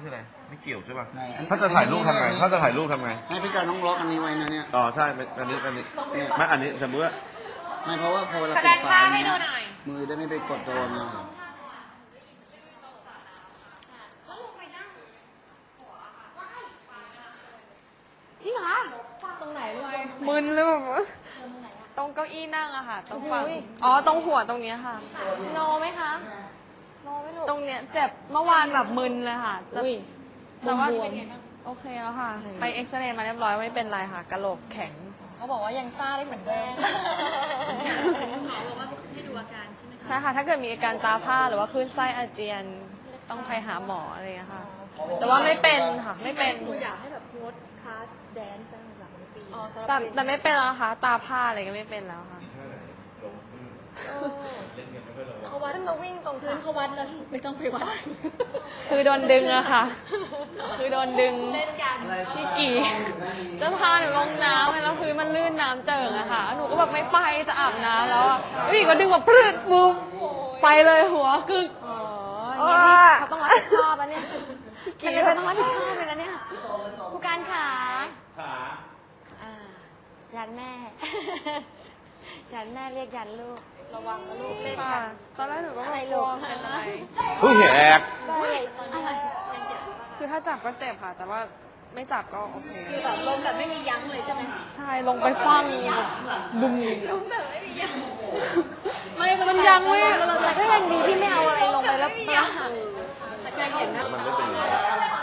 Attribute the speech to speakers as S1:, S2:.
S1: คืออะไรไม่เกี่ยวใช่ป่ะ
S2: ไหนอัน
S1: ถ้าจะถ่ายรูปทำไงถ้าจะถ่ายรูปทำไง
S2: ไม่พี่จอยต้องล็อกอันนี้ไว้นะเนี่ย
S1: อ๋อใช่อันนี้ไม่อันนี้สมมติว่า
S2: ไม่เพราะว่าพอเวลา
S3: แสด
S2: ปิ
S3: ง
S2: ด
S3: ท่า
S2: ไฟ
S3: ให้
S2: เนี่
S3: ดู
S2: ย
S3: หน่อย
S2: มือได้ไม่ไปกดโดนนะ
S3: จริงเหรอตรงไหนเลย
S4: มึนเลยแบบว่าตรงเก้าอี้นั่งอะค่ะ ตรงฝั่งอ๋อ ตรงหัวตรงเนี้ยค่ะ
S3: โนไหมคะโนไม่รู้
S4: ตรงเนี้ยเจ็บเมื่อวานแบบมึนเลยค่ะแต่
S3: อุ้ย
S4: แต่ว่า
S3: บวม
S4: โอเคแล้วค่ะ ไปเอ็กซเรย์มาเรียบร้อยไม่เป็นไรค่ะกะโหลกแข็ง
S3: เขาบอกว่ายังซ่าได้เหมือนเดิม
S4: ใช่ค่ะ ถ้าเกิดมีอาการตาผ้าหรือว่าคลื่นไส้อาเจียนต้องไปหาหมออะไรอย่างเงี้ยค่ะ แต่ว่าไม่เป็นค่ะ ไม่เป็น
S5: อยากให้แบบโพสคลาสแดนซ์หลังปี
S4: แต่ไม่เป็นแล้วค่ะ ตาผ้าอะไรก็ไม่เป็นแล้วค่ะ
S5: เขาวัดมาวิ่งตรงพื้นเขาวัดแล้วไม่ต้องไปวัด
S4: คือโดนดึงอะค่ะ คือโดนดึงพี่กี่จะพาหนูลงน้ำแล้วพื้นมันลื่นน้ำเจิ่งอะค่ะ หนูก็แบบไม่ไปจะอาบน้ำแล้วอะพี่ก็ดึงแบบพรึดปุ๊บไปเลยหัวกึก
S3: อย่างนี้เขาต้องรับผิดชอบแล้วเนี่ยกี่เขาต้องรับผิดชอบเลยนะเนี่ยผู้การขาอ่ายันแม่ ยันแม่เรียกยันลูก ระวังนะลูกเล่น
S4: ค่ะ
S3: กัน
S4: ตอนแรกหนูก็แบบกลัวเป็นอะไร
S1: ผู้แหก
S3: อะไร
S4: คือถ้าจับก็เจ็บค่ะ แต่ว่าไม่จับก็โอเค
S5: คือแบบลมแบบไม่มียั้งเลยใช่ไหม
S4: ใช่ลงไปฟังบุ้ม
S5: ลมแบบไม่มียั้ง
S4: ไม่มันยังไม่
S3: ก็ยังดีที่ไม่เอาอะไรลงไปแล้วปลาหัก
S4: ยังเห็นนะ
S1: มันไม่เป็นอย่างนี้